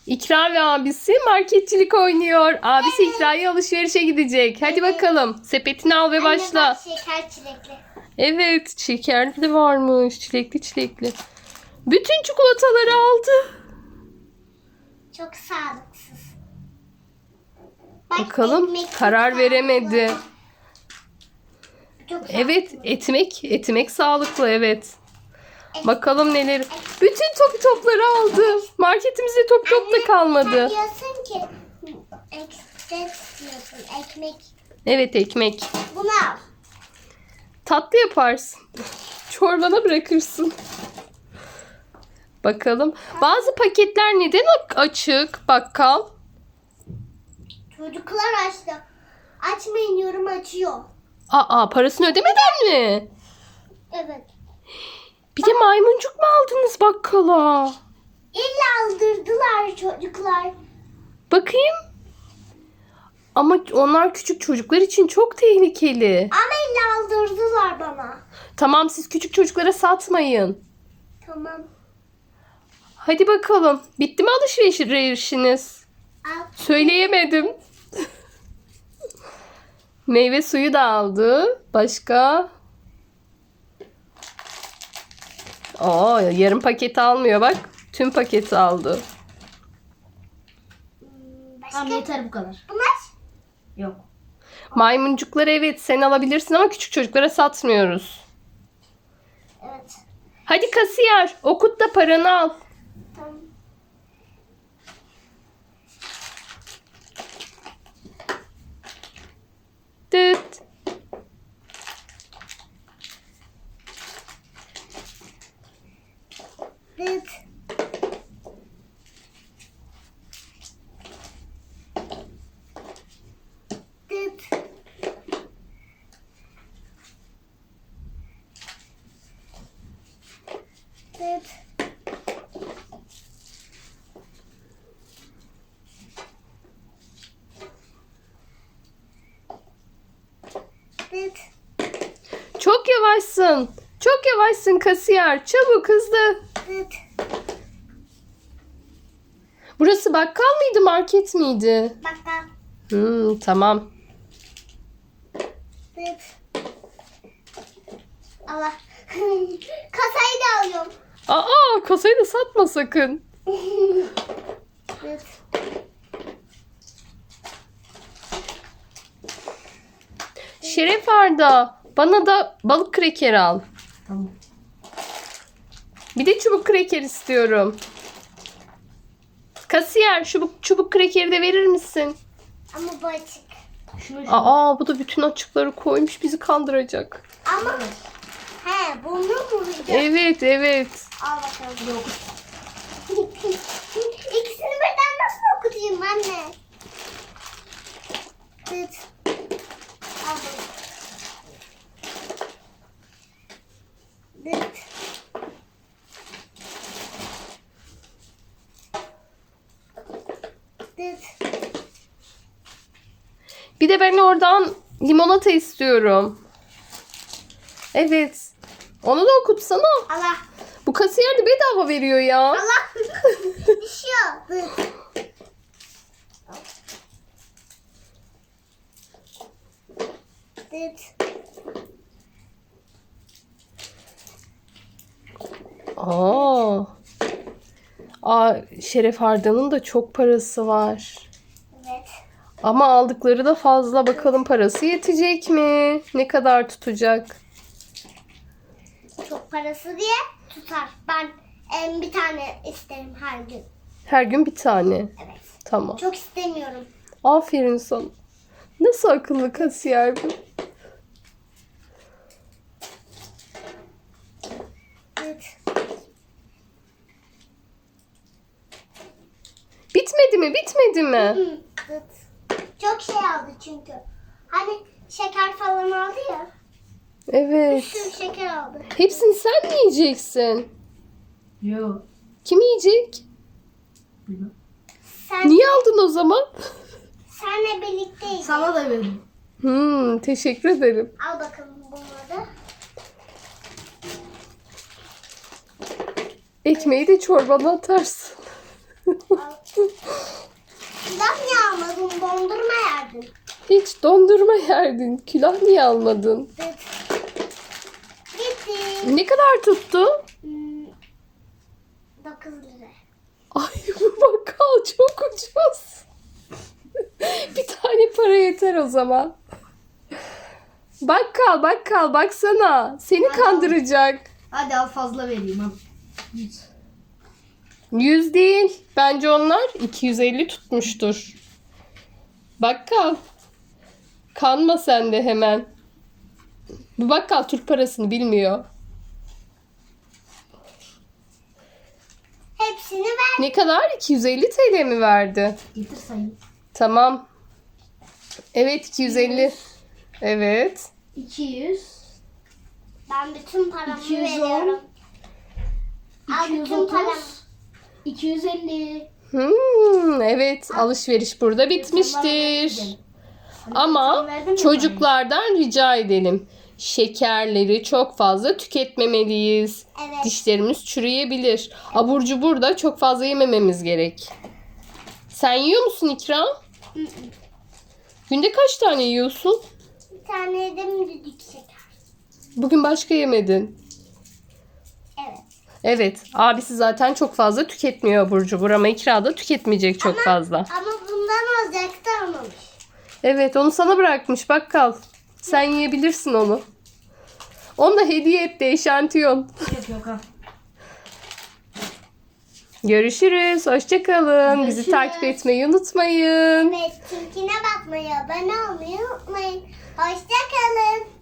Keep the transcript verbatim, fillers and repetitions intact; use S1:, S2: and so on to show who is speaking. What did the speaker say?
S1: İkra ve abisi marketçilik oynuyor. Abisi İkra'ya alışverişe gidecek. Hadi bakalım. Sepetini al ve başla.
S2: Anne bak, şeker çilekli.
S1: Evet, şekerli de varmış. Çilekli çilekli. Bütün çikolataları aldı.
S2: Çok sağlıksız. Bak,
S1: Bakalım,
S2: ekmek çok
S1: karar
S2: sağlıklı.
S1: veremedi.
S2: Çok
S1: Evet,
S2: sağlıklı.
S1: etmek, etmek sağlıklı, evet. Bakalım neler. Bütün topu topları aldı. Marketimizde top top da
S2: Sen
S1: kalmadı.
S2: diyorsun ki ekmek istiyorsun. Ekmek.
S1: Evet, ekmek.
S2: Bunu al.
S1: Tatlı yaparsın. Çorbana bırakırsın. Bakalım. Bazı paketler neden açık bakkal?
S2: Çocuklar açtı. Açmayın diyorum, açıyor.
S1: Aa, parasını ödemeden mi?
S2: Evet.
S1: Bir de maymuncuk mu aldınız bakkala?
S2: İlla aldırdılar çocuklar.
S1: Bakayım. Ama onlar küçük çocuklar için çok tehlikeli.
S2: Ama illa aldırdılar bana.
S1: Tamam, siz küçük çocuklara satmayın.
S2: Tamam.
S1: Hadi bakalım. Bitti mi alışverişiniz?
S2: Al.
S1: Söyleyemedim. Meyve suyu da aldı. Başka? Aa, yarım paket almıyor bak. Tüm paketi aldı.
S2: Başka?
S3: Tamam, yeter bu kadar.
S2: Bunlar?
S3: Yok.
S1: Maymuncukları evet sen alabilirsin ama küçük çocuklara satmıyoruz.
S2: Evet.
S1: Hadi kasiyer, okut da paranı al.
S2: Tamam.
S1: Dıt.
S2: Dıt. Dıt. Dıt. Dıt.
S1: Çok yavaşsın. Çok yavaşsın kasiyer. Çabuk hızlı.
S2: Dıt.
S1: Burası bakkal mıydı, market miydi?
S2: Bakkal.
S1: Hmm, tamam.
S2: Dıt. Allah. Kasayı da alıyorum.
S1: Aa, kasayı da satma sakın.
S2: Dıt.
S1: Şeref Arda, bana da balık kreker al.
S3: Tamam.
S1: Bir de çubuk kreker istiyorum. Kasiyer, şu bu- çubuk krekeri de verir misin?
S2: Ama bu açık.
S3: Şunu şunu.
S1: Aa, bu da bütün açıkları koymuş, bizi kandıracak.
S2: Ama he, bunu mu yiyeceğim?
S1: Evet, evet.
S2: Al bakalım. Yok. İkisini birden nasıl okutayım anne? Dıt. Al bunu. Dıt. Dıt.
S1: Bir de ben oradan limonata istiyorum. Evet. Onu da okutsana.
S2: Allah.
S1: Bu kasiyer de bedava veriyor ya.
S2: Allah. Düşüyor. Dıt. Dıt.
S1: Aa. Aa, Şeref Arda'nın da çok parası var.
S2: Evet.
S1: Ama aldıkları da fazla. Bakalım parası yetecek mi? Ne kadar tutacak?
S2: Çok parası diye tutar. Ben em, bir tane isterim her gün.
S1: Her gün bir tane.
S2: Evet.
S1: Tamam.
S2: Çok istemiyorum.
S1: Aferin sana. Nasıl akıllı kasiyer bu?
S2: Dıt.
S1: Bitmedi mi? Bitmedi mi?
S2: Hı, dıt. Çok şey aldı çünkü. Hani şeker falan aldı ya. Bir
S1: Evet.
S2: sürü şeker aldı.
S1: Hepsini sen mi yiyeceksin?
S3: Yok.
S1: Kim yiyecek?
S3: Bilmem.
S2: Sen,
S1: Niye aldın o zaman?
S2: senle birlikteyiz.
S3: Sana da veririm.
S1: Hmm, teşekkür ederim.
S2: Al bakalım bunları.
S1: Ekmeği de çorbana atarsın.
S2: Al.
S1: Hiç dondurma yerdin. Külah niye almadın?
S2: Bitti.
S1: Ne kadar tuttu?
S2: Hmm, dokuz lira.
S1: Ay bu bakkal çok ucuz. Bir tane para yeter o zaman. Bakkal bakkal baksana. Seni kandıracak.
S3: Hadi al fazla vereyim al. Yüz.
S1: yüz değil. Bence onlar iki yüz elli tutmuştur. Bakkal. Kanma sen de hemen. Bu bakkal Türk parasını bilmiyor.
S2: Hepsini ver.
S1: Ne kadar? iki yüz elli T L mi verdi?
S3: Getir sayayım.
S1: Tamam. Evet iki yüz elli. Evet.
S3: iki yüz.
S2: Ben bütün paramı
S3: iki yüz on.
S2: veriyorum. Al
S3: iki yüz
S2: bütün paramı.
S3: otuz. iki yüz elli.
S1: Hmm, evet alışveriş burada bitmiştir. Ama çocuklardan rica edelim. Şekerleri çok fazla tüketmemeliyiz.
S2: Evet.
S1: Dişlerimiz çürüyebilir. Abur cubur da çok fazla yemememiz gerek. Sen yiyor musun İkram?
S2: Hı hı.
S1: Günde kaç tane yiyorsun?
S2: Bir tane de müdük şeker.
S1: Bugün başka yemedin.
S2: Evet.
S1: Evet, abisi zaten çok fazla tüketmiyor abur cubur ama İkra da tüketmeyecek çok fazla.
S2: Ama bundan alacaktı almamış.
S1: Evet, onu sana bırakmış bakkal. Sen yiyebilirsin onu. Onu da hediye etti eşantiyon.
S3: Yok yok al.
S1: Görüşürüz. Hoşçakalın. Bizi
S3: Görüşürüz.
S1: takip etmeyi unutmayın.
S2: Evet, tilkine bakmayı, abone olmayı unutmayın. Hoşça kalın.